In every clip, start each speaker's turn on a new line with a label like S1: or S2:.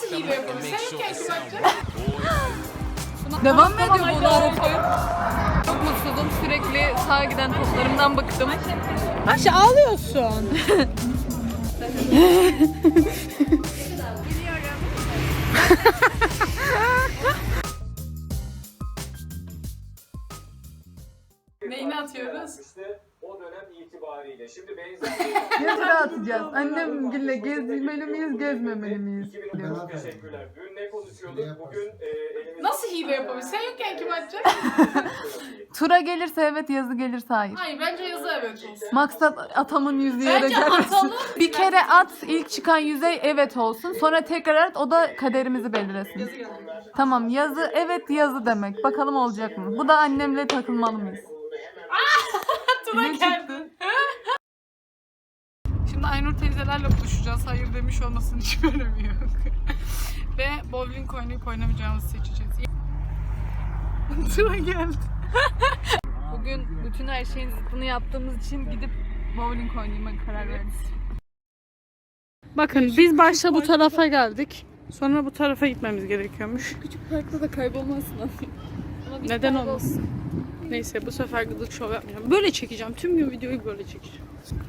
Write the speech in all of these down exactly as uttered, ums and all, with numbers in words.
S1: Nasıl hile yapalım? Sen yokken kim yapacak?
S2: Devam mı ediyor bu arada? Çok mutsuzum. Sürekli sağa giden toplarımdan bıktım.
S1: Ayşe ağlıyorsun. Neyini atıyoruz?
S3: O dönem itibariyle. Şimdi benzer
S2: Yazıra atacağız. Annemgille gezmeli miyiz, gezmemeli miyiz?
S3: Çok teşekkürler. Dün ne konuşuyorduk? Bugün e, elimizde...
S1: Nasıl hile yapalım? Sen yokken kim atacak?
S2: Tura gelirse evet, yazı gelirse hayır.
S1: Hayır bence yazı evet olsun.
S2: Maksat atamın yüzü yere
S1: Bence
S2: gelmesin.
S1: atalım.
S2: Bir kere at, ilk çıkan yüzey evet olsun. Sonra tekrar at, o da kaderimizi belirlesin. Tamam, yazı evet yazı demek. Bakalım olacak mı? Bu da annemle takılmalı mıyız?
S1: Tuna geldi. Şimdi Aynur teyzelerle buluşacağız. Hayır demiş olmasının hiç önemi yok. Ve bowling oynayıp oynamayacağımızı seçeceğiz. Tuna geldi.
S2: Bugün bütün her şeyin zıttını yaptığımız için gidip bowling oynayma karar verdik.
S1: Bakın biz başta bu tarafa geldik. Sonra bu tarafa gitmemiz gerekiyormuş.
S2: Küçük parkta da kaybolmazsın abi.
S1: Neden olmasın? Neyse bu sefer gıdık şov yapmayacağım. Böyle çekeceğim. Tüm gün videoyu böyle çekeceğim.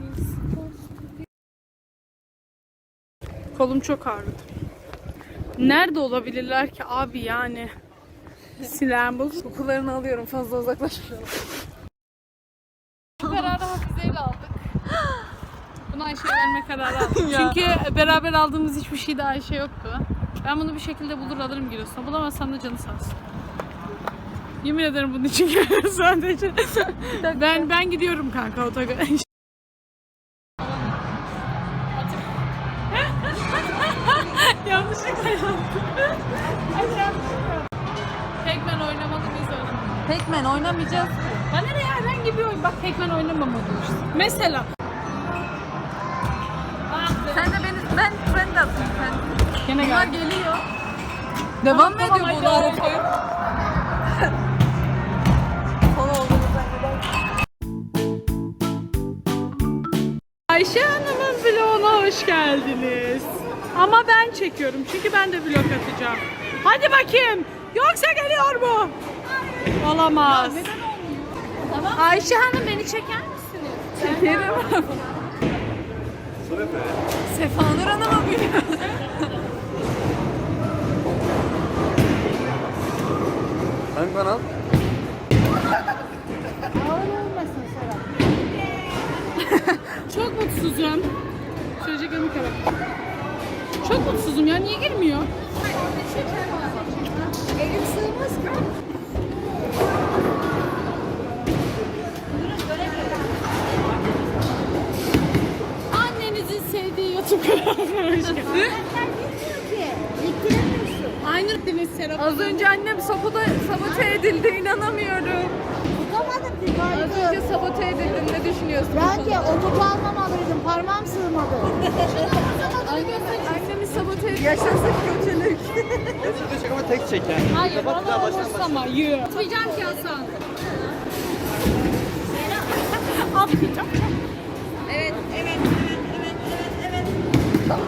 S1: Kolum çok ağrıdı. Nerede olabilirler ki abi yani? Silahım bozuk.
S2: Kokularını alıyorum, fazla uzaklaşmayalım.
S1: Bu kararı Hafize'yle aldık. Bunu Ayşe'ye verme kararı aldık. Çünkü beraber aldığımız hiçbir şeyde Ayşe yoktu. Ben bunu bir şekilde bulur alırım Giresun'a. Bulamazsam da canı sağ olsun. Yemin ederim bunun için geliyorum sadece. ben ben gidiyorum kanka otogara. Yanlışlıkla yaptım. Pac-Man oynamalı biz oynamalı.
S2: Pac-Man oynamayacağız.
S1: Bana ne ya, herhangi bir oyun. Bak Pac-Man oynamamalı işte. Mesela.
S2: Sen de beni, ben ben de atayım. Sen.
S1: Gene
S2: Bunlar
S1: geldi.
S2: geliyor. Devam mı
S1: Tamam,
S2: ediyor bu
S1: hadi.
S2: arada? Son olduğumuzdan gidelim.
S1: Ayşe Hanım'ın vloguna hoş geldiniz. Ama ben çekiyorum çünkü ben de vlog atacağım. Hadi bakayım. Yoksa geliyor mu? Olamaz. Ya neden olmuyor? Tamam. Ayşe Hanım beni çeker misiniz?
S2: Çekerim. Sefanur Hanım'a biliyor.
S3: Hangi kanal?
S1: Çok mutsuzum. Çocuk yanı kara. Çok mutsuzum ya, niye girmiyor?
S4: Elim sığmaz ki.
S1: Annenizin sevdiği YouTube kanalına hoş geldin. Aynur Deniz Serap.
S2: Az önce annem sabote, sabote edildi, inanamıyorum.
S4: Tutamadım ki
S2: Az
S4: kaydı.
S2: önce sabote edildim, ne düşünüyorsun? bu
S4: Bence
S2: konuda?
S4: o topu almamalıydım. Parmağım sığmadı.
S2: Annem, annemi sabote edildi. Yaşasın kötülük.
S3: Şurada çek ama tek çek yani.
S1: Hayır, bana olursa ama yürü. Atmayacağım ki Hasan. Atmayacağım.
S4: Evet, evet, evet, evet, evet, evet.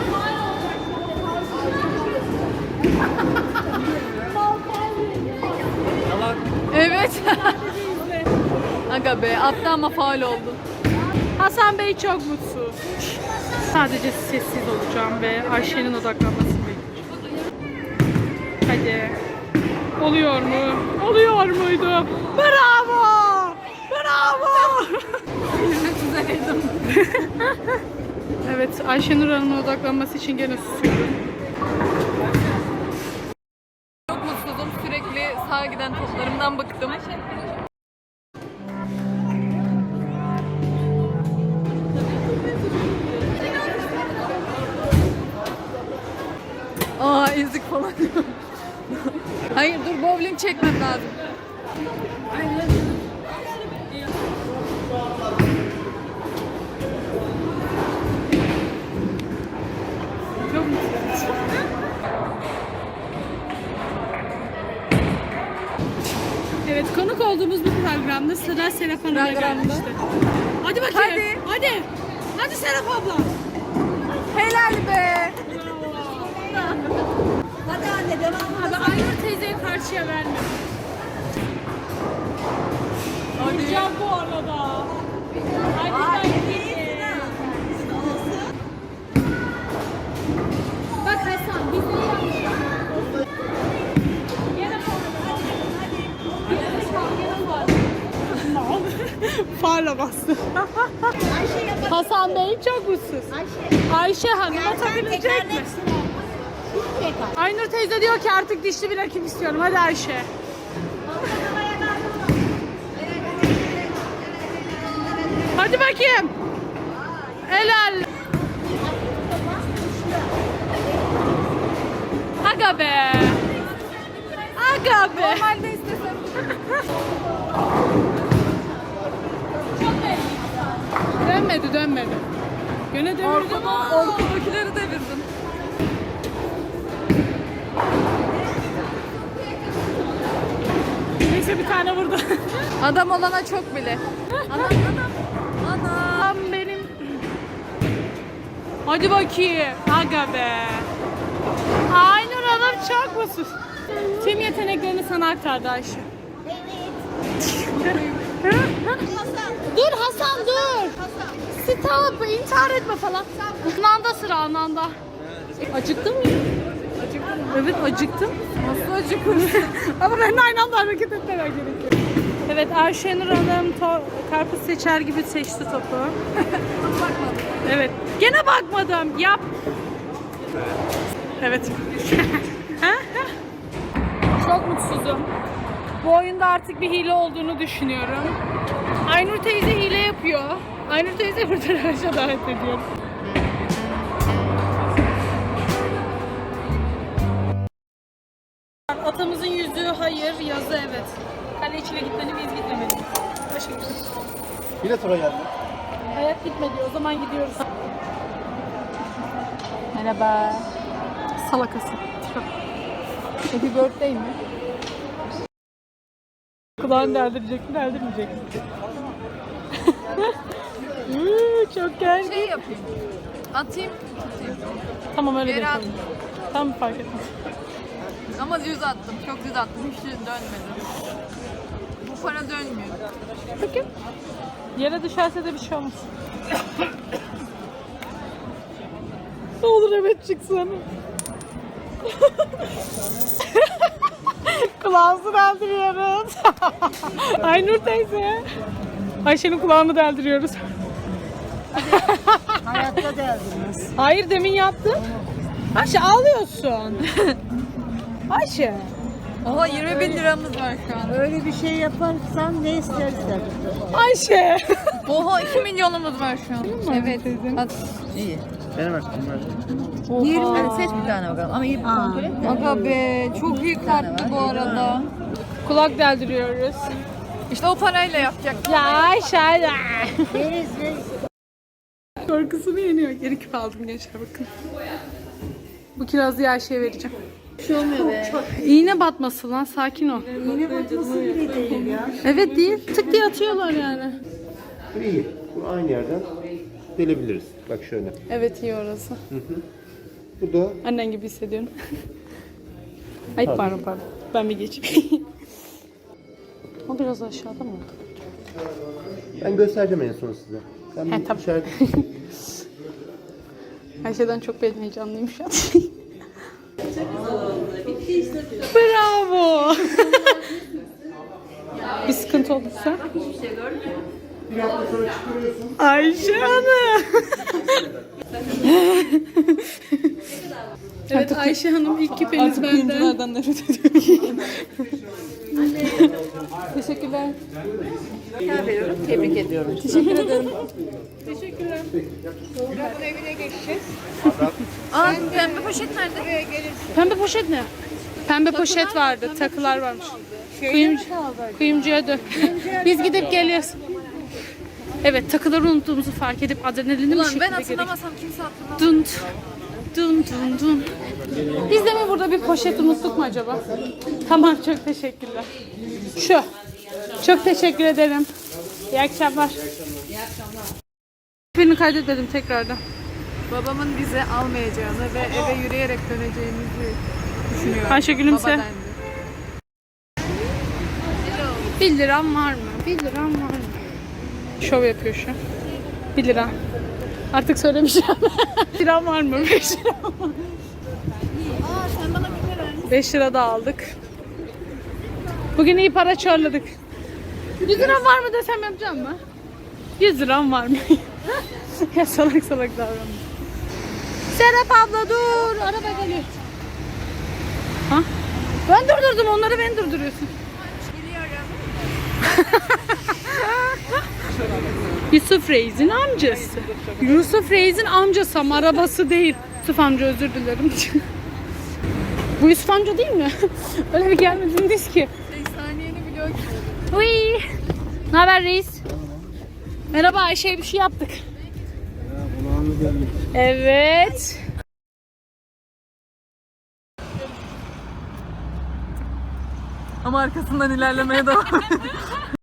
S2: Evet. Aga be, attı ama faul oldu.
S1: Hasan Bey çok mutsuz. Sadece sessiz olacağım ve Ayşe'nin odaklanmasını bekleyeceğim. Hadi. Oluyor mu? Oluyor muydu? Bravo! Bravo!
S2: Güzeldim.
S1: Evet, Ayşenur Hanım'ın odaklanması için gene susuyorum.
S2: Çok mutsuzum, sürekli sağa giden toplarımdan bıktım. Aa, ezik falan. Hayır dur, bowling çekmem lazım.
S1: Çok mutsuzum. Evet, konuk olduğumuz bu programda sıra Serap Hanım'a
S2: Programda.
S1: gelmişti. Hadi bakayım.
S2: Hadi.
S1: Hadi. Hadi Serap abla.
S2: Helal be.
S1: Bravo. Abi Aynur teyzeye karşıya verme. Vuracağım bu arada. Hadi ben Bak Hasan biz ne yapmışız? Gene Farla bastı. Hasan Bey çok mutsuz. Ayşe. Ayşe Hanım'a takılacak mı? Aynur teyze diyor ki artık dişli bir rakip istiyorum. Hadi Ayşe. Hadi bakayım. Helal. Aga be. Aga be.
S2: Normalde istesem.
S1: Dönmedi dönmedi. Gene devirdim.
S2: Ortadakileri devirdim.
S1: Neyse bir tane vurdu.
S2: Adam olana çok bile. Anam anam. Anam.
S1: Tam benim. Hadi bakayım. Aga be. Aynur Hanım çok mutsuz. Tüm yeteneklerini sana aktardı Ayşe. Dur Hasan dur. Stop. İntihar etme falan. Ananda sıra ananda. Acıktın mı? Acıktım. Evet acıktım.
S2: Nasıl acıkırsın?
S1: Ama ben de aynı anda hareket etmem gerekiyor. Evet Ayşenur Hanım to- karpuz seçer gibi seçti topu.
S2: Bakmadım.
S1: Evet. Gene bakmadım. Yap. Evet. Çok mutsuzum. Bu oyunda artık bir hile olduğunu düşünüyorum. Aynur teyze hile yapıyor. Aynur teyze buradan aşağı davet ediyorum. Atamızın yüzüğü hayır, yazı evet. Kale içine gitmeni biz gitmemedik. Başka bir şey.
S3: Yine tura geldi.
S1: Hayat gitmedi. O zaman gidiyoruz.
S2: Merhaba.
S1: Salakası.
S2: Happy birthday mi?
S1: Kulağını deldirecek mi, deldirmeyecek mi? Uuu, çok gergin.
S2: Şey yapayım. Atayım.
S1: Tamam öyle de
S2: Geri
S1: yapalım. Tamam fark etmez.
S2: Ama düz attım. Çok düz attım. Hiç düz dönmedi. Bu para dönmüyor.
S1: Bakayım. Yere düşerse de bir şey olmaz. Ne olur evet çıksın. Kulağımızı deldiriyoruz. Aynur teyze. Ayşe'nin kulağını deldiriyoruz.
S4: Hayatta deldiniz.
S1: Hayır demin yaptım. Ayşe ağlıyorsun. Ayşe.
S2: Oha yirmi bin liramız var şu an.
S4: Öyle bir şey yaparsan ne istersen.
S1: Ayşe.
S2: Oha iki milyonumuz var şu an. Evet. At.
S4: İyi.
S3: Benim aklım var.
S4: yirmi. Hadi seç bir tane bakalım. Ama iyi bir kontrol et de.
S2: Aga be çok iyi karttı bu arada.
S1: Kulak deldiriyoruz.
S2: İşte o parayla yapacak.
S1: Ya Ayşe. ya.
S4: Veririz veririz.
S1: Korkusunu yeniyor. Geri küp aldım gençler bakın. Bu kirazı Ayşe'ye vereceğim.
S4: Bir şey olmuyor be.
S1: İğne batması lan sakin ol.
S4: Yine batması bile değil ya.
S1: Evet değil. Tık diye atıyorlar yani.
S3: İyi. Bu aynı yerden delebiliriz. Bak şöyle.
S1: Evet iyi orası.
S3: Bu da
S1: Annen gibi hissediyorum. Ay pardon pardon. Ben bir geçeyim. O biraz aşağıda mı?
S3: ben göstereceğim en son size. Ben
S1: He,
S3: bir
S1: tamam.
S3: işaret...
S1: Her şeyden çok ben heyecanlıyım şu an. Bravo. Bir sıkıntı olursa. Ayşe Hanım. Evet Ayşe Hanım ilk küpeniz benden.
S2: nefret ediyorum.
S1: Teşekkürler.
S4: veriyorum. Tebrik ediyorum.
S2: Teşekkür ederim.
S1: Teşekkürler.
S4: Buranın evine geçeceğiz.
S2: Aa pembe poşet nerede?
S4: Buraya gelirsin.
S1: Pembe poşet ne? Pembe poşet vardı, takılar varmış. Kuyumcu, kuyumcuya dön. Biz gidip geliyoruz. Evet, takıları unuttuğumuzu fark edip adrenalini bir
S2: Ulan
S1: şekilde
S2: ben
S1: gerek.
S2: hatırlamasam kimse hatırlamaz.
S1: Dun dun dun dun. Biz de mi burada bir poşet unuttuk mu acaba? Tamam, çok teşekkürler. Şu. Çok teşekkür ederim. İyi akşamlar. İyi akşamlar. Birini kaydetmedim tekrardan.
S2: Babamın bizi almayacağını ve eve yürüyerek döneceğimizi düşünüyorum.
S1: Ayşe gülümse.
S2: Babadan.
S1: bir liram var mı? bir liram var mı? Şov yapıyor şu. bir lira. Artık söylemişim. bir liram var mı? beş lira mı?
S4: Aa sen bana bir kere vermişsin.
S1: beş lira da aldık. Bugün iyi para çorladık. yüz liram var mı desem yapacağım mı? yüz liram var mı? Ya salak salak davranma. Serap abla dur. Araba geliyor. Ha? Ben durdurdum onları, ben durduruyorsun. Yusuf Reis'in amcası. Yusuf Reis'in amcası ama arabası değil. Yusuf amca özür dilerim. Bu Yusuf amca değil mi? Öyle bir gelmediniz ki.
S2: Saniyeni vlog.
S1: Uy. Ne haber reis? Merhaba Ayşe'ye bir şey yaptık. Evet.
S2: Ama arkasından ilerlemeye devam